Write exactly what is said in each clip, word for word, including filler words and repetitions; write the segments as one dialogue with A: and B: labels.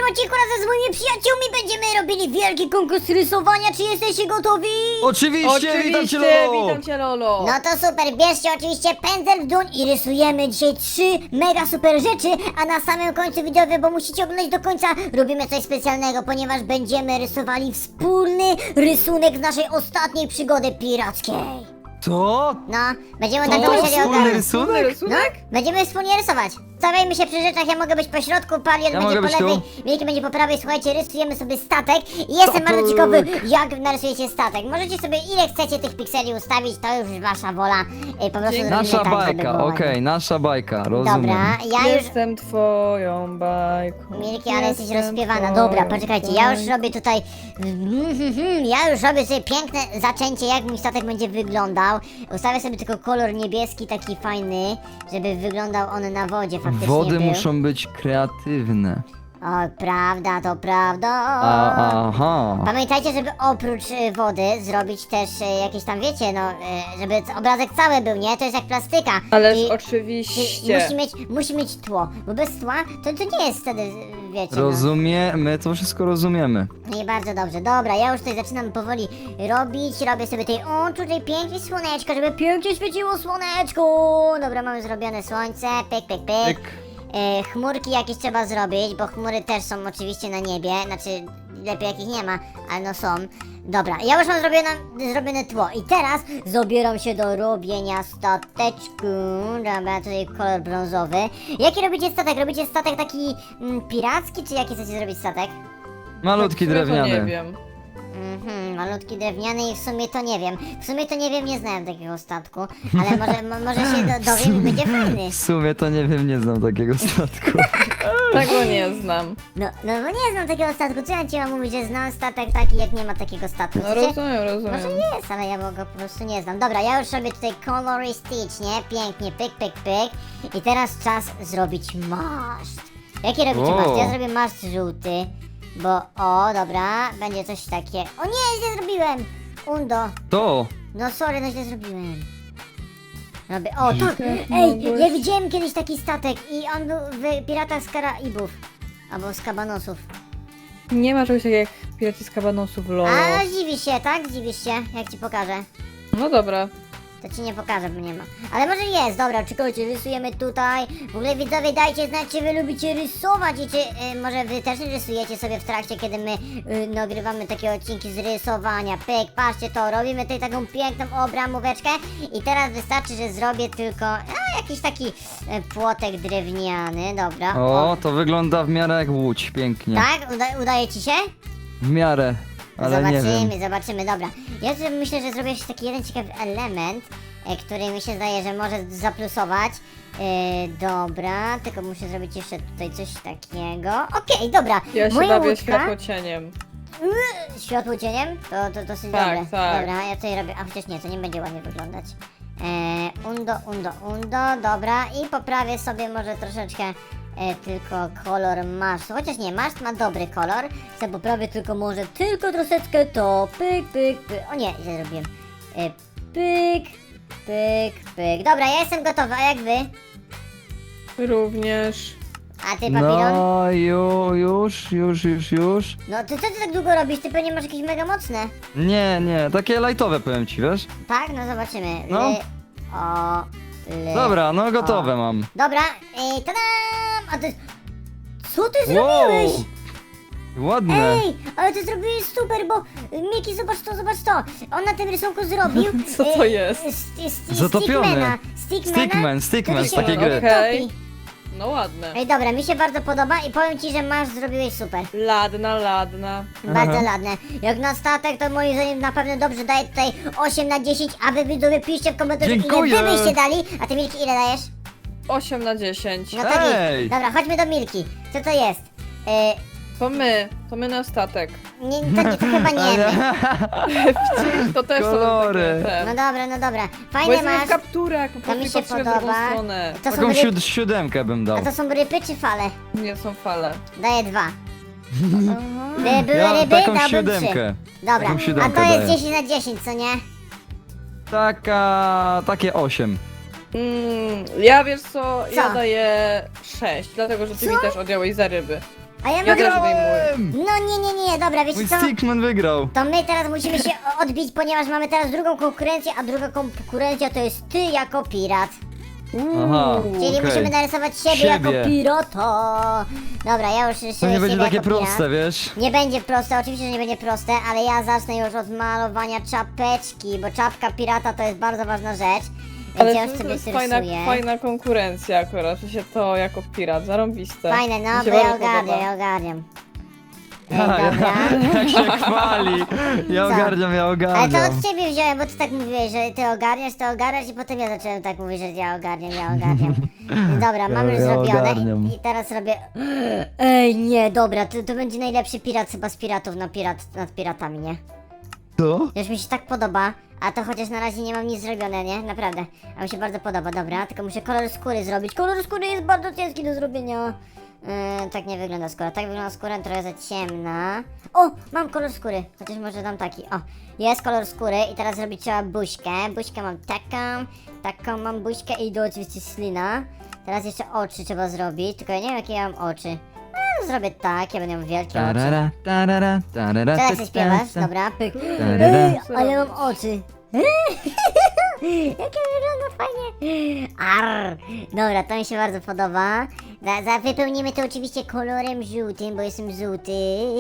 A: odcinku razem z moimi przyjaciółmi będziemy robili wielki konkurs rysowania. Czy jesteście gotowi?
B: Oczywiście,
C: Oczywiście,
B: witam cię, Lolo!
C: witam cię, Lolo.
A: No to super, bierzcie oczywiście pędzel w dłoń i rysujemy dzisiaj trzy mega super rzeczy, a na samym końcu widzowie, bo musicie oglądać do końca, robimy coś specjalnego, ponieważ będziemy rysowali wspólny rysunek z naszej ostatniej przygody pirackiej.
B: Co?
A: No, będziemy
B: To
A: taką
B: jest
A: serię
B: wspólny
A: ogarnąć.
B: rysunek?
C: Wspólny
A: No,
C: rysunek?
A: będziemy wspólnie rysować. Stawiajmy się przy rzeczach, ja mogę być po środku, Palion
B: Ja
A: będzie
B: mogę
A: po
B: być
A: lewej,
B: tu.
A: Milki będzie po prawej. Słuchajcie, rysujemy sobie statek i jestem
B: Statek.
A: bardzo ciekawy, jak narysujecie statek. Możecie sobie ile chcecie tych pikseli ustawić, to już wasza wola. Y, Po prostu
C: Dzięki.
A: zrobimy
B: Nasza
A: tak, żeby
B: bajka,
A: było
B: okej,
A: ładnie.
B: nasza bajka, rozumiem.
A: Dobra, ja już...
C: Jestem twoją bajką.
A: Milki, ale jesteś
C: Jestem
A: rozpiewana.
C: twoją
A: Dobra, poczekajcie, ja już
C: bajką.
A: robię tutaj... Ja już robię sobie piękne zaczęcie, jak mój statek będzie wyglądał. Ustawię sobie tylko kolor niebieski, taki fajny, żeby wyglądał on na wodzie faktycznie
B: Wody
A: był.
B: muszą być kreatywne.
A: O, prawda, to prawda.
B: A, aha.
A: Pamiętajcie, żeby oprócz y, wody zrobić też y, jakieś tam, wiecie, no, y, żeby c- obrazek cały był, nie? To jest jak plastyka.
C: Ależ
A: I- i
C: oczywiście.
A: musi mieć, musi mieć tło, bo bez tła to, to nie jest wtedy, y, wiecie, no.
B: Rozumie, my to wszystko rozumiemy.
A: I bardzo dobrze, dobra, ja już tutaj zaczynam powoli robić, robię sobie tej, o, tutaj pięknie słoneczko, żeby pięknie świeciło słoneczko. Dobra, mamy zrobione słońce, pyk, pyk, pyk.
B: Pyk.
A: E, chmurki jakieś trzeba zrobić, bo chmury też są oczywiście na niebie, znaczy lepiej jak ich nie ma, ale no są. Dobra, ja już mam zrobione, zrobione tło i teraz zabieram się do robienia stateczku. Dobra, tutaj kolor brązowy. Jaki robicie statek? Robicie statek taki mm, piracki, czy jaki chcecie zrobić statek?
B: Malutki
C: Tak, w sumie to Nie
B: drewniany.
C: wiem.
A: Mhm, malutki drewniany i w sumie to nie wiem. W sumie to nie wiem, nie znałem takiego statku, ale może, mo, może się do, dowiem i będzie fajny.
B: W sumie to nie wiem, nie znam takiego statku.
C: Tego nie znam.
A: No, no bo nie znam takiego statku, co ja ci mam mówić, że znam statek taki, jak nie ma takiego statku?
C: No
A: Chcecie?
C: rozumiem, rozumiem.
A: Może jest, ale ja go po prostu nie znam. Dobra, ja już robię tutaj kolorystycznie, pięknie, pyk, pyk, pyk. I teraz czas zrobić maszt. Jaki robicie
B: O.
A: maszt? Ja zrobię maszt żółty, bo o, dobra, będzie coś takie. O nie, źle zrobiłem! Undo.
B: To!
A: No sorry, no źle zrobiłem. Robię, o tak, ej, ja widziałem kiedyś taki statek i on był w Piratach z Karaibów. Albo z Kabanosów.
C: Nie ma czegoś takiego jak piraci z kabanosów, Lolo.
A: A zdziwisz się, tak? Zdziwisz się, jak ci pokażę.
C: No dobra.
A: To ci nie pokażę, bo nie ma. Ale może jest, dobra, czekajcie, rysujemy tutaj. W ogóle widzowie, dajcie znać, czy wy lubicie rysować i czy y, może wy też rysujecie sobie w trakcie, kiedy my y, nagrywamy takie odcinki z rysowania. Pyk, patrzcie to, robimy tutaj taką piękną obramóweczkę i teraz wystarczy, że zrobię tylko a, jakiś taki y, płotek drewniany, dobra.
B: O, to wygląda w miarę jak łódź, pięknie.
A: Tak? Uda udaje ci się?
B: W miarę, ale nie
A: zobaczymy,
B: wiem.
A: zobaczymy, dobra. Ja sobie myślę, że zrobię jeszcze taki jeden ciekawy element, e, który mi się zdaje, że może zaplusować. E, dobra, tylko muszę zrobić jeszcze tutaj coś takiego. Okej, dobra.
C: Ja się
A: Moja
C: bawię
A: łódka...
C: światło cieniem.
A: Światło cieniem? To, to dosyć
C: Tak,
A: dobre.
C: tak.
A: Dobra, ja tutaj robię, a chociaż nie, to nie będzie ładnie wyglądać. E, undo, undo, undo, dobra. I poprawię sobie może troszeczkę e, tylko kolor masztu. Chociaż nie, maszt ma dobry kolor. Chcę poprawię tylko może tylko troszeczkę to. Pyk, pyk, pyk. O nie, źle zrobiłem. E, pyk, pyk, pyk. Dobra, ja jestem gotowa, a jak wy?
C: Również.
A: A ty, papilon? No.
B: No, ju, już, już, już, już.
A: no ty co ty tak długo robisz? Ty pewnie masz jakieś mega mocne.
B: Nie, nie, takie lightowe powiem ci, wiesz?
A: Tak? No zobaczymy.
B: No.
A: Ly, o, ly.
B: Dobra, no gotowe mam.
A: Dobra, i tadam! A ty... Co ty zrobiłeś?
B: Ładne.
A: Ej, ale ty zrobiłeś super, bo Miki, zobacz to, zobacz to. On na tym rysunku zrobił...
C: Co to
A: e,
C: jest?
A: st- st-
B: Zatopiony.
A: Stickmana. Stickmana,
B: Stickman, Stickman
A: który
B: z
A: się
B: takiej gry.
C: Okej.
A: topi.
C: No ładne.
A: Ej, dobra, mi się bardzo podoba i powiem ci, że masz zrobiłeś super.
C: Ladna, ladna.
A: Bardzo ładne. Jak na statek, to moim zdaniem na pewno dobrze daje tutaj osiem na dziesięć, a wy widzowie piszcie w komentarzu,
B: Dziękuję.
A: ile wy byście dali. A ty Milki ile dajesz?
C: osiem na dziesięć.
A: No to
B: Ej.
A: git. Dobra, chodźmy do Milki. Co to jest? E,
C: To my. To my na statek.
A: nie, to, to chyba nie my.
C: To też
B: Kolory.
C: są takie
A: No
C: te.
A: dobra, no dobra.
C: Bo
A: Fajne
C: jestem
A: masz.
C: w kapturach, po
A: To
C: prostu
A: mi się
C: patrzyłem w drugą
A: podoba.
C: stronę.
A: To są,
B: Taką
A: ryb...
B: siód siódemkę bym dał.
A: A to są ryby czy fale?
C: Nie są fale.
A: Daję dwa. Gdyby były
B: Ja
A: ryby,
B: taką
A: dałbym trzy.
B: siódemkę.
A: Dobra,
B: Taką
A: a
B: siódemkę
A: to jest
B: daję.
A: dziesięć na dziesięć, co nie?
B: Taka, takie osiem.
C: Mm, ja wiesz co,
A: Co?
C: ja daję sześć, dlatego że ty
A: Co?
C: mi też odjąłeś za ryby.
A: A ja
C: Ja
A: mogę...
C: też wyjmuję.
A: No nie, nie, nie, dobra, wiecie
B: Mój
A: co?
B: Stickman wygrał.
A: To my teraz musimy się odbić, ponieważ mamy teraz drugą konkurencję, a druga konkurencja to jest ty jako pirat.
B: Aha.
A: Czyli
B: Okej.
A: musimy narysować siebie,
B: Siebie.
A: jako pirata. Dobra, ja już rysuję
B: To nie
A: siebie
B: będzie takie
A: jako pirat.
B: proste, wiesz?
A: Nie będzie proste, oczywiście, że nie będzie proste, ale ja zacznę już od malowania czapeczki, bo czapka pirata to jest bardzo ważna rzecz. Więc
C: Ale
A: ja
C: to,
A: już
C: to
A: sobie
C: jest fajna,
A: rysuję.
C: fajna konkurencja akurat, że się to jako pirat, zarąbiste.
A: Fajne,
C: Mi
A: no,
C: się
A: bo ja
C: bardzo
A: ogarniam,
C: podoba.
A: ja ogarniam. Ej,
B: Ja,
A: dobra.
B: jak się chwali. Ja
A: Co?
B: ogarniam, ja
A: Ale to
B: ogarniam.
A: od ciebie wziąłem, bo ty tak mówiłeś, że ty ogarniasz, ty ogarniasz i potem ja zacząłem tak mówić, że ja ogarniam, ja ogarniam. Dobra, mam
B: Ja-
A: już
B: ja
A: zrobione
B: ogarniam.
A: i teraz robię... Ej, nie, dobra, to, to będzie najlepszy pirat chyba z piratów na pirat, nad piratami, nie?
B: Co?
A: Już mi się tak podoba, a to chociaż na razie nie mam nic zrobione, nie? Naprawdę. A mi się bardzo podoba, dobra, tylko muszę kolor skóry zrobić. Kolor skóry jest bardzo ciężki do zrobienia. Yy, tak nie wygląda skóra, tak wygląda skóra, trochę za ciemna. O, mam kolor skóry, chociaż może dam taki, o. Jest kolor skóry i teraz zrobić trzeba buźkę. Buźkę mam taką, taką mam buźkę i do oczywiście slina. Teraz jeszcze oczy trzeba zrobić, tylko ja nie wiem jakie ja mam oczy. No, zrobię tak, ja będę miał wielkie oczy.
B: Tarara, tarara, tarara,
A: Teraz
B: ta,
A: się śpiewasz,
B: ta, ta.
A: dobra, pyk.
B: Tarara.
A: Ej, ale mam oczy. Jakie wygląda fajnie. Arr. Dobra, to mi się bardzo podoba. Za, za wypełnimy to oczywiście kolorem żółtym, bo jestem żółty.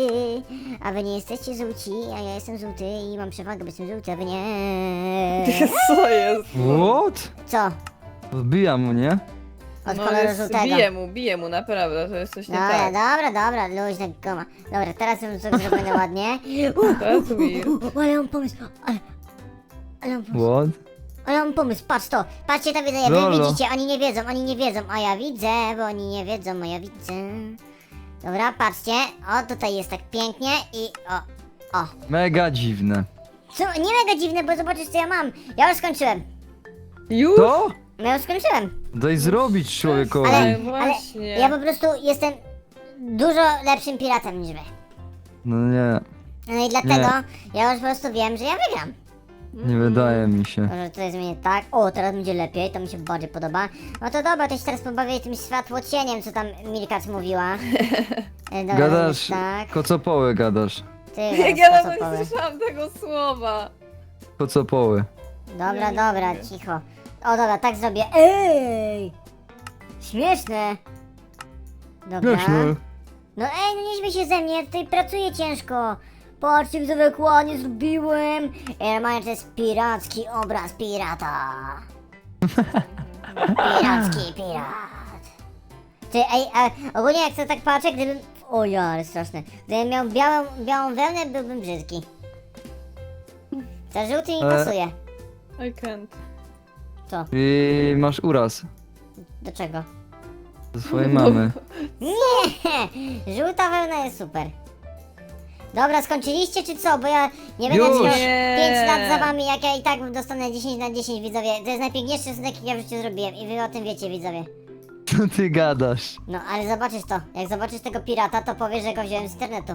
A: A wy nie jesteście żółci, a ja jestem żółty i mam przewagę, bo jestem żółty, a wy nie.
C: Co jest?
B: What?
A: Co?
B: Wbijam mu, nie?
A: Od
C: No
A: koloru
C: jest,
A: żółtego.
C: bije mu, bije mu, naprawdę, to jest coś nie
A: Dobra,
C: tak.
A: dobra, dobra, luźna goma. Dobra, teraz już coś zrobione ładnie. Uh,
C: To jest weird.
A: uh, uh, ale mam pomysł, ale... Ale mam pomysł.
B: What?
A: Ale mam pomysł, patrz to, patrzcie to widzę, wy
B: Lolo.
A: widzicie, oni nie wiedzą, oni nie wiedzą, a ja widzę, bo oni nie wiedzą, a ja widzę. Dobra, patrzcie, o tutaj jest tak pięknie i o, o.
B: Mega dziwne.
A: Co, nie mega dziwne, bo zobaczysz co ja mam, ja już skończyłem,
C: Już?
B: To?
A: ja już skończyłem,
B: Daj zrobić człowiekowi.
A: ale,
C: Ale
A: ale
C: właśnie.
A: ja po prostu jestem dużo lepszym piratem niż wy.
B: No nie,
A: No i dlatego ja już po prostu wiem, że ja wygram.
B: nie wydaje mi się.
A: Może tutaj zmienię tak. O, teraz będzie lepiej, to mi się bardziej podoba. No to dobra, to się teraz pobawię tym światłocieniem, co tam Milkac mówiła. E, Dobra,
B: Gadasz,
A: zrobisz tak.
B: kocopoły gadasz.
A: Ty
C: Jak
A: gadasz
C: ja nawet
A: kocopoły.
C: nie słyszałam tego słowa.
B: Kocopoły.
A: Dobra,
C: Ja nie
A: dobra,
C: mogę.
A: cicho. O, dobra, tak zrobię. Ej! Śmieszne. Dobra.
B: Śmieszne.
A: No ej, no nie śmiej się ze mnie, ja tutaj pracuję ciężko. Patrzcie, widzowie, jak ładnie zrobiłem. Ej, normalnie to jest piracki obraz pirata. Piracki pirat. Ty, ej, a ogólnie jak sobie tak patrzę, gdybym... O ja, ale straszne. Gdybym miał białą, białą wełnę, byłbym brzydki. Ten żółty mi
B: Ale-
A: pasuje.
C: I can't.
A: Co?
B: I masz uraz
A: Do czego?
B: ze swojej mamy.
A: Nie! Żółta wełna jest super. Dobra, skończyliście czy co? Bo ja nie będę
B: Już.
A: miał
C: Nie.
A: pięć lat za wami, jak ja i tak dostanę dziesięć na dziesięć, widzowie. To jest najpiękniejszy rysunek, jaki ja w życiu zrobiłem i wy o tym wiecie, widzowie.
B: Co ty gadasz?
A: No, ale zobaczysz to. Jak zobaczysz tego pirata, to powiesz, że go wziąłem z internetu.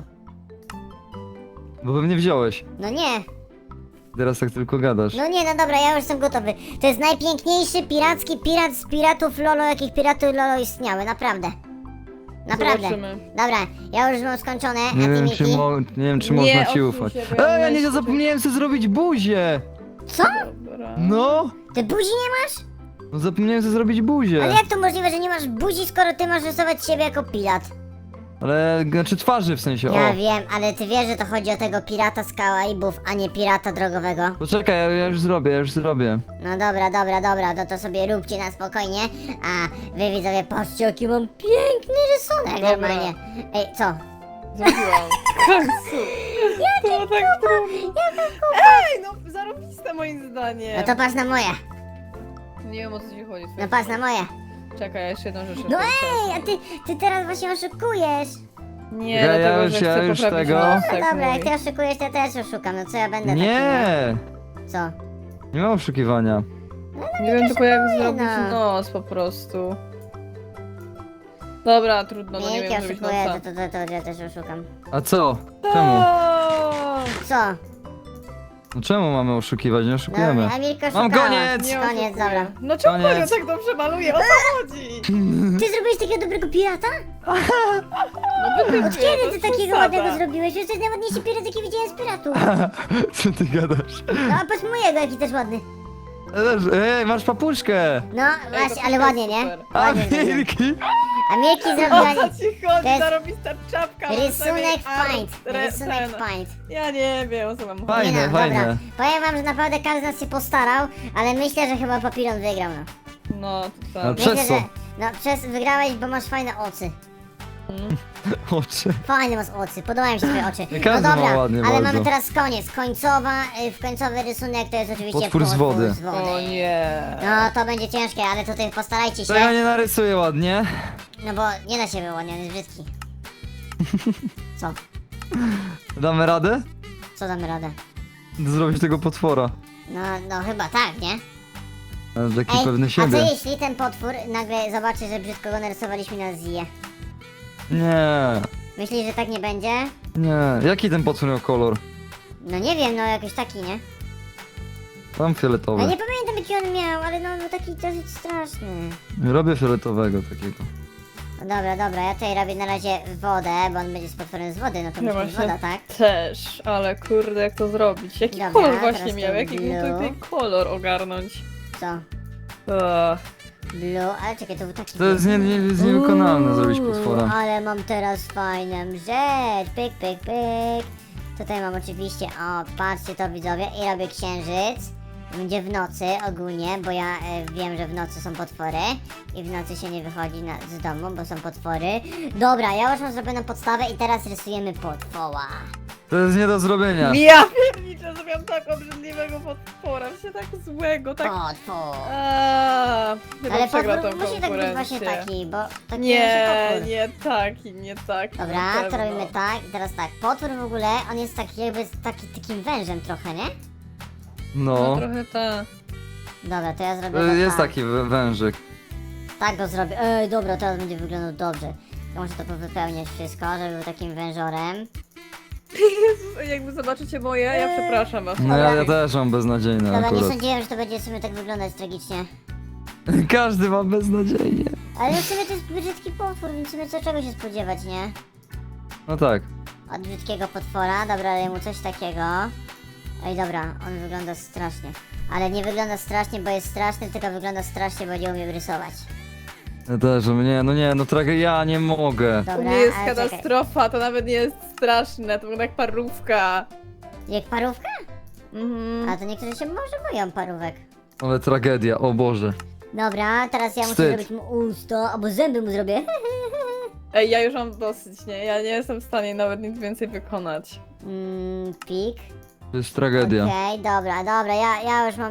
B: Bo pewnie wziąłeś.
A: No nie,
B: Teraz tak tylko gadasz.
A: no nie, no dobra, ja już jestem gotowy. To jest najpiękniejszy piracki pirat z piratów Lolo, jakich piratów Lolo istniały, naprawdę. Naprawdę.
C: Zobaczymy.
A: Dobra, ja już mam skończone, a
B: Nie
A: ty
B: wiem,
A: Miki?
B: czy, mo nie wiem, czy
C: Nie,
B: można ci
C: odsuń
B: ufać.
C: się, bo ja
B: Ej, ja nie
C: myślę,
B: zapomniałem sobie zrobić buzię!
A: Co?
C: Dobra.
B: No!
A: Ty buzi nie masz?
B: No zapomniałem sobie zrobić buzię.
A: Ale jak to możliwe, że nie masz buzi, skoro ty masz rysować siebie jako pirat?
B: Ale, znaczy twarzy w sensie,
A: Ja
B: o.
A: wiem, ale ty wiesz, że to chodzi o tego pirata z Karaibów, a nie pirata drogowego.
B: Poczekaj, ja, ja już zrobię, ja już zrobię.
A: No dobra, dobra, dobra, to to sobie róbcie na spokojnie. A wy widzowie, patrzcie jaki mam piękny rysunek
C: Dobra.
A: normalnie. Ej, co?
C: Zrobiłam. W końcu. To tak trudno. Ej, no zarobiste moim zdaniem.
A: No to patrz na moje,
C: Nie wiem o co ci chodzi.
A: no patrz na moje.
C: Czekaj, ja jeszcze jedną rzecz.
A: No
C: chcę.
A: ej, a ty, ty teraz właśnie oszukujesz.
C: Nie,
B: Ja- ja
C: dlatego,
B: już-
C: że
B: ja
C: chcę
B: już
C: poprawić
B: tego-
C: nosek
A: No dobra,
C: mój.
A: jak ty oszukujesz, to ja też oszukam, no co ja będę taki,
B: Nie!
A: no? Co?
B: Nie ma oszukiwania.
C: Nie wiem tylko jak
A: oszukuję,
C: zrobić
A: no.
C: nos po prostu. Dobra, trudno, no nie
A: Jak ja
C: wiem zrobić
A: oszukuję,
C: nosa.
A: to, to, to, to ja też oszukam.
B: A co? Czemu?
C: O!
A: Co?
B: No czemu mamy oszukiwać? Nie
A: No,
B: oszukujemy.
A: Emilka
B: Mam
A: oszukała.
B: koniec!
C: Nie
A: Koniec,
C: oszukuję.
A: dobra.
C: No czemu
B: Koniec.
C: ja tak dobrze maluję? O co chodzi?
A: Ty zrobiłeś takiego dobrego pirata?
C: No wytypuję,
A: Od kiedy
C: to
A: ty
C: jest
A: takiego
C: przesada.
A: ładnego zrobiłeś? Już najładniejszy pirat, jaki widziałem z piratów.
B: Co ty gadasz?
A: No a patrz mojego, jaki też ładny.
B: Ej, masz papuszkę!
A: No
C: Ej, to
A: właśnie, ale
C: super,
A: ładnie, nie?
C: super.
B: A
A: Ładnie zrobiłem.
B: wilki!
A: A Milki
C: O
A: zrobiła
C: co ci chodzi?
A: To jest
C: Zarobista czapka. mam
A: rysunek
C: sobie art,
A: paint.
C: re-
A: Rysunek
C: ten.
A: paint.
C: Ja nie wiem, o co mam
B: Fajne,
A: Nie no,
B: fajne.
A: dobra. Powiem wam, że naprawdę każdy z nas się postarał, ale myślę, że chyba Papilon wygrał, no.
C: No, to
B: No,
C: tak.
B: Przez
A: Myślę,
B: co?
A: że no przez wygrałeś, bo masz fajne oczy.
B: Oczy.
A: Fajne masz oczy, podobają mi się twoje oczy.
B: Nie każdy
A: no
B: ma
A: dobra,
B: ładnie
A: ale
B: bardzo.
A: mamy teraz koniec. Końcowa, y, w końcowy rysunek to jest oczywiście
B: Potwór z wody.
A: z wody.
C: O nie.
A: No to będzie ciężkie, ale tutaj postarajcie
B: To ja
A: się.
B: nie narysuję ładnie.
A: No bo nie da się było, ładnie, on jest brzydki. Co?
B: Damy radę?
A: Co damy radę?
B: Zrobić tego potwora.
A: No, no chyba tak, nie?
B: Ale taki
A: Ej,
B: pewny
A: a co
B: siebie.
A: jeśli ten potwór nagle zobaczy, że brzydko go narysowaliśmy na zje?
B: Nie,
A: Myślisz, że tak nie będzie?
B: nie. Jaki ten potwór miał kolor?
A: No nie wiem, no jakoś taki, nie?
B: Tam
A: Ja
B: fioletowy.
A: nie pamiętam jaki on miał, ale no, no taki dosyć straszny.
B: Robię fioletowego takiego.
A: No dobra, dobra, ja tutaj robię na razie wodę, bo on będzie z potworem z wody, no to
C: Ja
A: musi być
C: właśnie
A: woda, tak?
C: też, ale kurde, jak to zrobić? Jaki
A: Dobra,
C: kolor
A: teraz
C: właśnie
A: ten
C: miał? Jaki był
A: blue.
C: tutaj kolor ogarnąć?
A: Co?
C: Ugh.
A: Blue, ale czekaj, to był taki...
B: To jest nie, nie, jest niewykonalne zrobić
A: Uuu,
B: potwora.
A: Ale mam teraz fajną rzecz, pyk, pyk, pyk. Tutaj mam oczywiście, o, patrzcie to widzowie, i robię księżyc. Będzie w nocy ogólnie, bo ja e, wiem, że w nocy są potwory i w nocy się nie wychodzi na, z domu, bo są potwory. Dobra, ja już mam zrobioną podstawę i teraz rysujemy potwora.
B: To jest nie do zrobienia.
C: Ja pierniczę, zrobiłam tak obrzydliwego potwora, się tak złego, tak...
A: Potwór.
C: Aaa, chyba
A: Ale
C: przegra
A: potwór
C: tą
A: musi tak być właśnie
C: konkurencję.
A: taki, bo taki
C: Nie,
A: potwór.
C: nie taki, nie taki. na
A: Dobra, to
C: pewno.
A: robimy tak i teraz tak. Potwór w ogóle, on jest taki jakby z taki, takim wężem trochę, nie?
C: No
B: No.
C: trochę tak.
A: Dobra, to ja zrobię
B: To
A: to
B: jest
A: tak.
B: taki wę- wężyk.
A: Tak go zrobię. Ej, dobra, teraz będzie wyglądał dobrze. To muszę to wypełniać wszystko, żeby był takim wężorem.
C: Jezus, jakby zobaczycie moje, ja przepraszam was.
B: No ja, ja też mam beznadziejne
A: Dobra, nie
B: akurat.
A: sądziłem, że to będzie w sumie tak wyglądać tragicznie.
B: Każdy ma beznadziejnie.
A: Ale w sumie to jest brzydki potwór, więc w sumie co czego się spodziewać, nie?
B: No tak.
A: Od brzydkiego potwora, dobra, daję mu coś takiego. Ej, dobra, on wygląda strasznie. Ale nie wygląda strasznie, bo jest straszny, tylko wygląda strasznie, bo nie umiem rysować.
B: Ja też, nie, no nie, no tragedia, ja nie mogę.
C: U
A: Dobra,
C: mnie jest
A: ale czekaj.
C: katastrofa, to nawet nie jest straszne, to wygląda jak parówka.
A: Jak parówka?
C: Mhm.
A: A to niektórzy się może boją parówek.
B: Ale tragedia, o Boże.
A: Dobra, teraz ja muszę
B: Wstyd.
A: zrobić mu usta, albo zęby mu zrobię.
C: Ej, ja już mam dosyć, nie? Ja nie jestem w stanie nawet nic więcej wykonać.
A: Mm, pik.
B: To jest tragedia.
A: Okej, dobra, dobra, ja, ja już mam...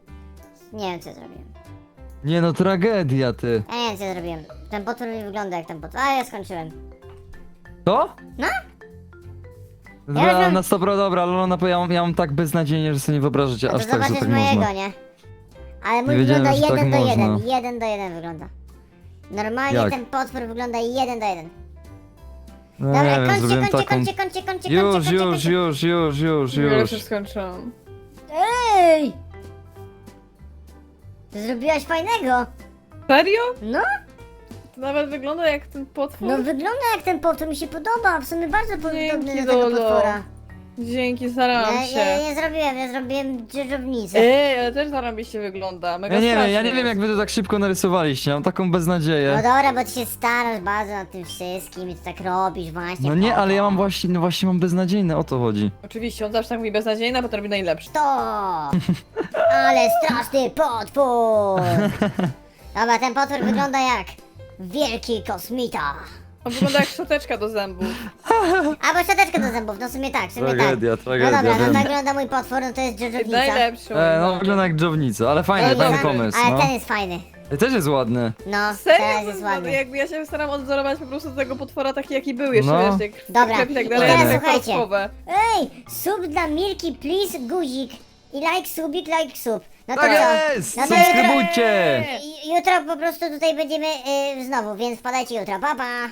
A: Nie wiem co ja zrobiłem.
B: Nie no, tragedia ty.
A: Ja nie wiem co ja zrobiłem. Ten potwór nie wygląda jak ten potwór. A, ja skończyłem.
B: To?
A: No.
B: Dobra,
A: już mam-
B: na sto procent dobra, ale ona, ja mam, ja mam tak beznadziejnie, że sobie nie wyobrażacie,
A: A to
B: aż tak, że
A: zobaczysz
B: tak
A: mojego,
B: można.
A: nie? Ale mój
B: Nie wiedziałem,
A: wygląda
B: że tak
A: jeden do jeden.
B: można.
A: Jeden do jeden wygląda. Normalnie
B: Jak?
A: ten potwór wygląda jeden do jeden.
B: No
A: Dobra,
B: nie wiem,
A: kończcie,
B: zrobiłem
A: kończcie,
B: taką...
A: kończcie, kończcie, kończcie,
B: Już,
A: kończcie,
B: już,
A: kończcie.
B: już, już, już,
C: Ja już
B: już.
C: skończyłam.
A: Ej! Ty zrobiłaś fajnego.
C: Serio?
A: No,
C: To nawet wygląda jak ten potwór.
A: no wygląda jak ten potwór, mi się podoba. W sumie bardzo podobny do tego
C: Dolo.
A: potwora.
C: Dzięki, starałam
A: Ja,
C: się.
A: ja nie zrobiłem, ja zrobiłem dzierżownicę.
C: Ej, ale też zarobiście wygląda. Mega
B: Ja nie wiem, ja
C: strasznie
B: nie wiem jak
C: jest.
B: wy to tak szybko narysowaliście, mam taką
A: No
B: beznadzieję.
A: dobra, bo ty się starasz bardzo nad tym wszystkim i ty tak robisz właśnie.
B: No nie,
A: po
B: ale
A: to.
B: ja mam właśnie, no właśnie mam beznadziejne, o to chodzi.
C: Oczywiście, on zawsze tak mówi beznadziejna, potem robi najlepszy.
A: To! Ale straszny potwór! Dobra, ten potwór wygląda jak wielki kosmita.
C: On wygląda jak szczoteczka do zębów.
A: Albo szczoteczkę do zębów, no w sumie tak, w sumie
B: Tragedia,
A: tak.
B: tragedia,
A: No dobra, no
B: wiem.
A: tak wygląda mój potwór, no to jest dzierżownica.
C: Najlepszy.
B: E, no
C: moim
B: wygląda jak dżownica, ale fajny,
C: Ale
B: fajny
C: dobra,
B: pomysł,
A: Ale
B: no.
A: ten jest fajny.
B: I też jest ładny.
A: No,
C: Serio?
A: teraz
C: To
A: jest
C: jest
A: ładny.
C: Jakby ja się staram odwzorować po prostu do tego potwora taki jaki był jeszcze,
B: No.
C: wiesz, jak
A: Dobra,
C: krew i tak
A: i
C: dalej,
A: teraz
C: jak
A: słuchajcie.
C: parówkowe.
A: Ej, sub dla Milki, please, guzik. I like subik, like sub. No to
B: Tak
A: co?
B: jest!
A: No to jutro,
B: Subskrybujcie!
A: jutro po prostu tutaj będziemy y, znowu, więc wpadajcie jutro. Pa, pa!